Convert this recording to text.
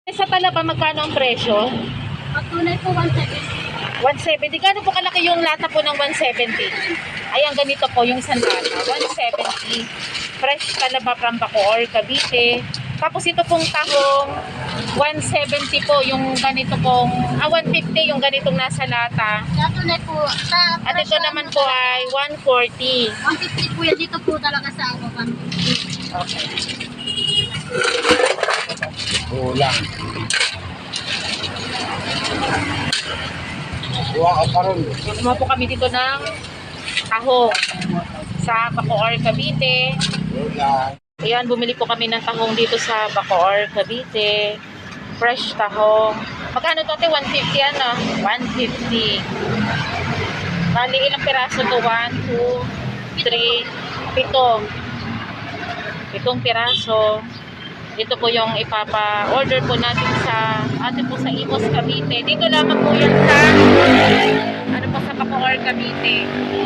Sa Talaba, magkano ang presyo? Pag tunay po 170. 170. Gano'n po kalaki yung lata po ng 170? Ayan, ganito po yung isang lata. 170. Fresh Talaba from Bacoor, Cavite. Tapos ito pong tahong 170 po yung ganito pong 150 yung ganitong nasa lata. Sa tunay po, sa At ito naman po ay 140. 150 po yan. Dito po talaga sa ako. 150. Okay. Kulang. Kuha ka pa rin. Kumuha po kami dito ng tahong sa Bacoor, Cavite. Kulang. Ayan, bumili po kami ng tahong dito sa Bacoor, Cavite. Fresh tahong. Magkano to, ate? 150 ano? 150. Bali, ilang piraso to? 1, 2, 3, 7. 7 piraso. Ito po yung ipapa-order po natin sa po sa Imus, Cavite. Dito lamang po yan sa ano po sa Bacoor, Cavite.